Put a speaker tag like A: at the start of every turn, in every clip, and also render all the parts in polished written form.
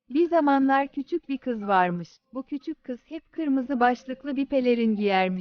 A: Bir zamanlar küçük bir kız varmış. Bu küçük kız hep kırmızı başlıklı bir pelerin giyermiş.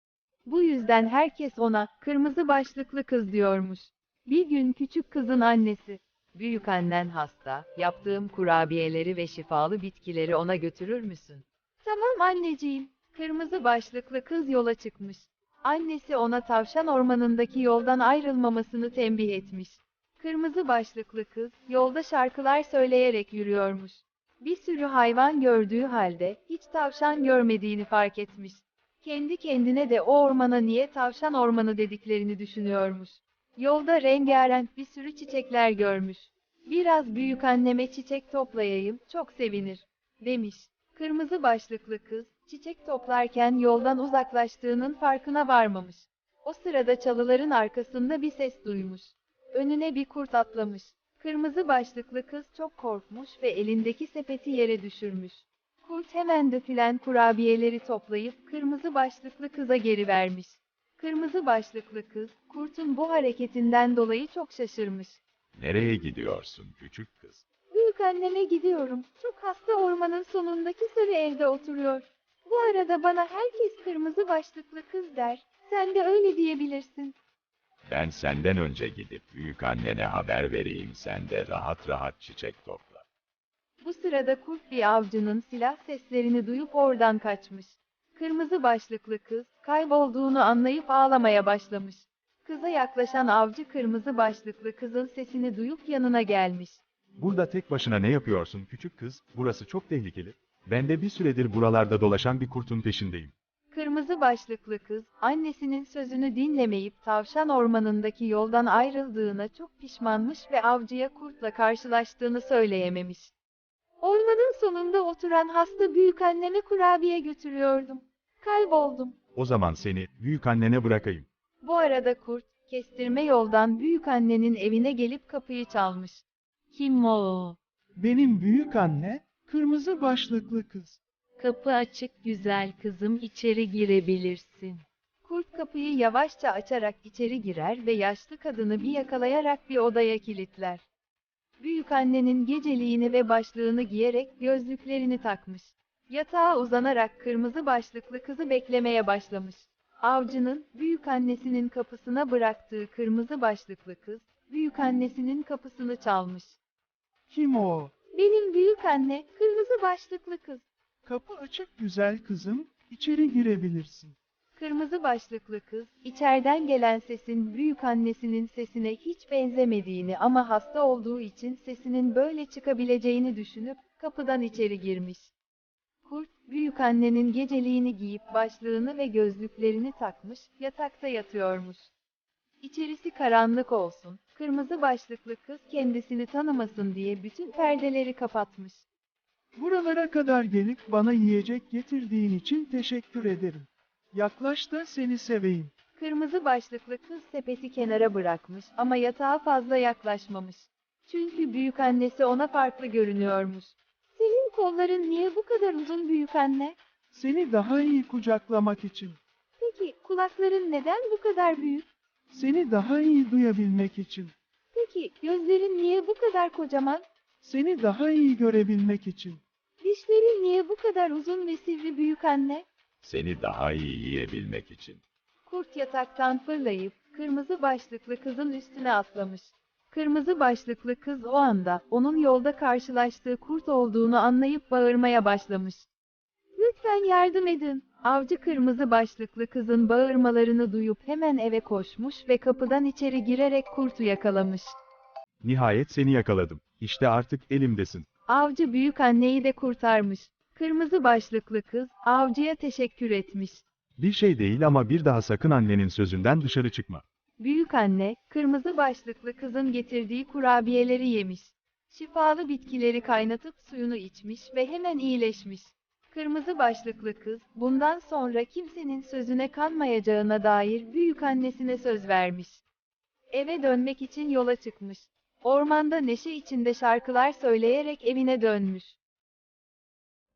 A: Bu yüzden herkes ona kırmızı başlıklı kız diyormuş. Bir gün küçük kızın annesi, "Büyük annen hasta, yaptığım kurabiyeleri ve şifalı bitkileri ona götürür müsün?" "Tamam anneciğim." Kırmızı başlıklı kız yola çıkmış. Annesi ona tavşan ormanındaki yoldan ayrılmamasını tembih etmiş. Kırmızı başlıklı kız, yolda şarkılar söyleyerek yürüyormuş. Bir sürü hayvan gördüğü halde, hiç tavşan görmediğini fark etmiş. Kendi kendine de o ormana niye tavşan ormanı dediklerini düşünüyormuş. Yolda rengarenk bir sürü çiçekler görmüş. "Biraz büyük anneme çiçek toplayayım, çok sevinir." demiş. Kırmızı başlıklı kız, çiçek toplarken yoldan uzaklaştığının farkına varmamış. O sırada çalıların arkasında bir ses duymuş. Önüne bir kurt atlamış. Kırmızı başlıklı kız çok korkmuş ve elindeki sepeti yere düşürmüş. Kurt hemen dökülen kurabiyeleri toplayıp kırmızı başlıklı kıza geri vermiş. Kırmızı başlıklı kız, kurtun bu hareketinden dolayı çok şaşırmış.
B: Nereye gidiyorsun küçük kız?
A: "Büyük anneme gidiyorum. Çok hasta, ormanın sonundaki sarı evde oturuyor. Bu arada bana herkes kırmızı başlıklı kız der. Sen de öyle diyebilirsin."
B: Ben senden önce gidip büyük annene haber vereyim, sen de rahat rahat çiçek topla.
A: Bu sırada kurt bir avcının silah seslerini duyup oradan kaçmış. Kırmızı başlıklı kız, kaybolduğunu anlayıp ağlamaya başlamış. Kıza yaklaşan avcı kırmızı başlıklı kızın sesini duyup yanına gelmiş.
C: Burada tek başına ne yapıyorsun küçük kız? Burası çok tehlikeli. Ben de bir süredir buralarda dolaşan bir kurtun peşindeyim.
A: Kırmızı başlıklı kız, annesinin sözünü dinlemeyip tavşan ormanındaki yoldan ayrıldığına çok pişmanmış ve avcıya kurtla karşılaştığını söyleyememiş. "Ormanın sonunda oturan hasta büyük anneme kurabiye götürüyordum. Kayboldum."
C: O zaman seni büyük annene bırakayım.
A: Bu arada kurt, kestirme yoldan büyük annenin evine gelip kapıyı çalmış. "Kim o?"
D: Benim büyük anne, kırmızı başlıklı kız.
A: "Kapı açık güzel kızım, içeri girebilirsin." Kurt kapıyı yavaşça açarak içeri girer ve yaşlı kadını bir yakalayarak bir odaya kilitler. Büyük annenin geceliğini ve başlığını giyerek gözlüklerini takmış. Yatağa uzanarak kırmızı başlıklı kızı beklemeye başlamış. Avcının, büyük annesinin kapısına bıraktığı kırmızı başlıklı kız, büyük annesinin kapısını çalmış.
D: Kim o?
A: "Benim büyük anne, kırmızı başlıklı kız."
D: Kapı açık güzel kızım, içeri girebilirsin.
A: Kırmızı başlıklı kız, içeriden gelen sesin büyük annesinin sesine hiç benzemediğini ama hasta olduğu için sesinin böyle çıkabileceğini düşünüp kapıdan içeri girmiş. Kurt, büyük annenin geceliğini giyip başlığını ve gözlüklerini takmış, yatakta yatıyormuş. İçerisi karanlık olsun, kırmızı başlıklı kız kendisini tanımasın diye bütün perdeleri kapatmış.
D: Buralara kadar gelip bana yiyecek getirdiğin için teşekkür ederim. Yaklaş da seni seveyim.
A: Kırmızı başlıklı kız sepeti kenara bırakmış ama yatağa fazla yaklaşmamış. Çünkü büyük annesi ona farklı görünüyormuş. "Senin kolların niye bu kadar uzun büyük anne?"
D: Seni daha iyi kucaklamak için.
A: "Peki kulakların neden bu kadar büyük?"
D: Seni daha iyi duyabilmek için.
A: "Peki gözlerin niye bu kadar kocaman?"
D: Seni daha iyi görebilmek için.
A: "Dişlerin niye bu kadar uzun ve sivri büyük anne?"
B: Seni daha iyi yiyebilmek için.
A: Kurt yataktan fırlayıp kırmızı başlıklı kızın üstüne atlamış. Kırmızı başlıklı kız o anda onun yolda karşılaştığı kurt olduğunu anlayıp bağırmaya başlamış. "Lütfen yardım edin." Avcı kırmızı başlıklı kızın bağırmalarını duyup hemen eve koşmuş ve kapıdan içeri girerek kurtu yakalamış.
C: Nihayet seni yakaladım. İşte artık elimdesin.
A: Avcı büyük anneyi de kurtarmış. Kırmızı başlıklı kız avcıya teşekkür etmiş.
C: Bir şey değil ama bir daha sakın annenin sözünden dışarı çıkma.
A: Büyük anne, kırmızı başlıklı kızın getirdiği kurabiyeleri yemiş. Şifalı bitkileri kaynatıp suyunu içmiş ve hemen iyileşmiş. Kırmızı başlıklı kız, bundan sonra kimsenin sözüne kanmayacağına dair büyük annesine söz vermiş. Eve dönmek için yola çıkmış. Ormanda neşe içinde şarkılar söyleyerek evine dönmüş.